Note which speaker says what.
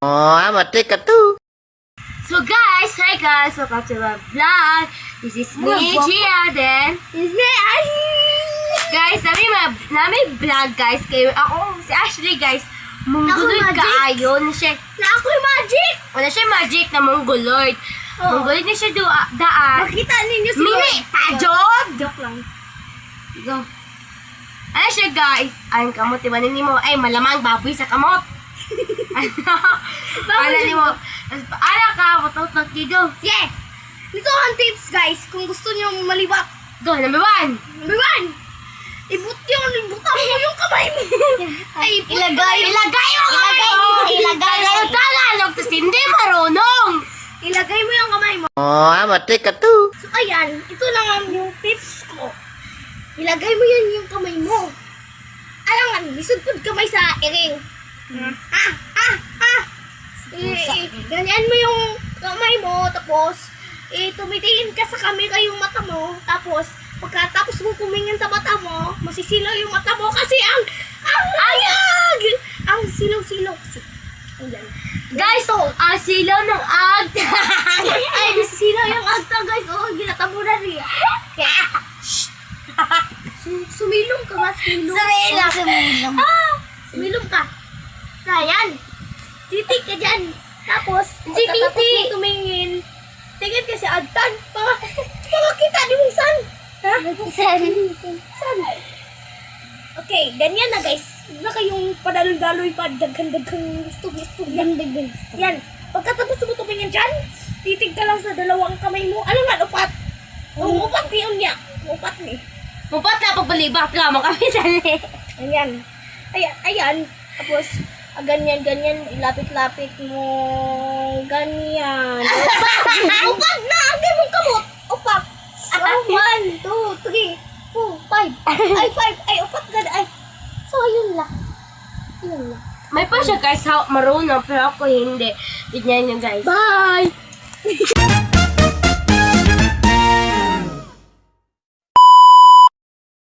Speaker 1: Oh, mati ka to.
Speaker 2: So guys, hi guys, welcome to my vlog. This is me, Gia, then
Speaker 3: This is me, Ashley!
Speaker 2: guys, namin vlog guys. Kayo, ako, si Ashley guys, mongoloid
Speaker 3: Ako, magic.
Speaker 2: kaayo na siya.
Speaker 3: Na ako'y magic!
Speaker 2: Wala siya magic na mongoloid.
Speaker 3: Oh.
Speaker 2: Mongoloid na siya daan.
Speaker 3: Makita ninyo si
Speaker 2: Mini, pajod!
Speaker 3: Joke lang.
Speaker 2: Go. Ano siya guys? Ang kamot, diba mo? Ay, malamang baboy sa kamot. Ano ni mo? Ano ka? Matutok go.
Speaker 3: Sige! Ito ang tips guys, kung gusto nyo malibak.
Speaker 2: Go, number 1.
Speaker 3: Number 1, ibutang mo yung kamay mo. Ay,
Speaker 2: Ilagay mo kamay mo!
Speaker 3: Ilagay mo.
Speaker 2: Tagalog, tapos hindi marunong!
Speaker 3: Ilagay mo yung kamay mo.
Speaker 1: Oh, mati ka to.
Speaker 3: So ayan, ito lang yung tips ko. Ilagay mo yan yung kamay mo. Alangan, lisod kamay sa iring. Ganyan mo yung kamay mo, tapos tumitingin ka sa camera yung mata mo, tapos pagkatapos mo kumingin sa mata mo, masisilaw yung mata mo kasi ang ayag! Ang silaw-silaw. Ayan.
Speaker 2: Guys, ang silaw ng agta!
Speaker 3: Ay, nasisilaw yung agta guys. Oo, ginatabunan niya. Sumilong ka ba? Sumilong. Sumilong ka. Ayan. Titig ka dyan. Tapos,
Speaker 2: Si
Speaker 3: pagkatapos
Speaker 2: Titi.
Speaker 3: mo tumingin, tingin ka si Agtan. Pakakita di mong san. Ha? San? Okay, ganyan na guys. Huwag na kayong padaloy-daloy pa. Daghan-daghang gusto. Yan. Pagkatapos mo tumingin dyan, titig ka lang sa dalawang kamay mo. Ano nga, upat? Upat yun niya. Upat ni.
Speaker 2: Mupat na pagbalibak ka, kami dali.
Speaker 3: Ayan. Ayan. Tapos, ganyan, ilapit-lapit mo. Ganyan. Upat na! Ang mong kamot. Upat. So, 1, 2, 3, 4, 5. Ay, 5. Ay, upat ka. Ay. So, yun lang. Yun lang.
Speaker 2: May pa siya guys, marunong, pero ako hindi. Tignan niyo guys.
Speaker 3: Bye!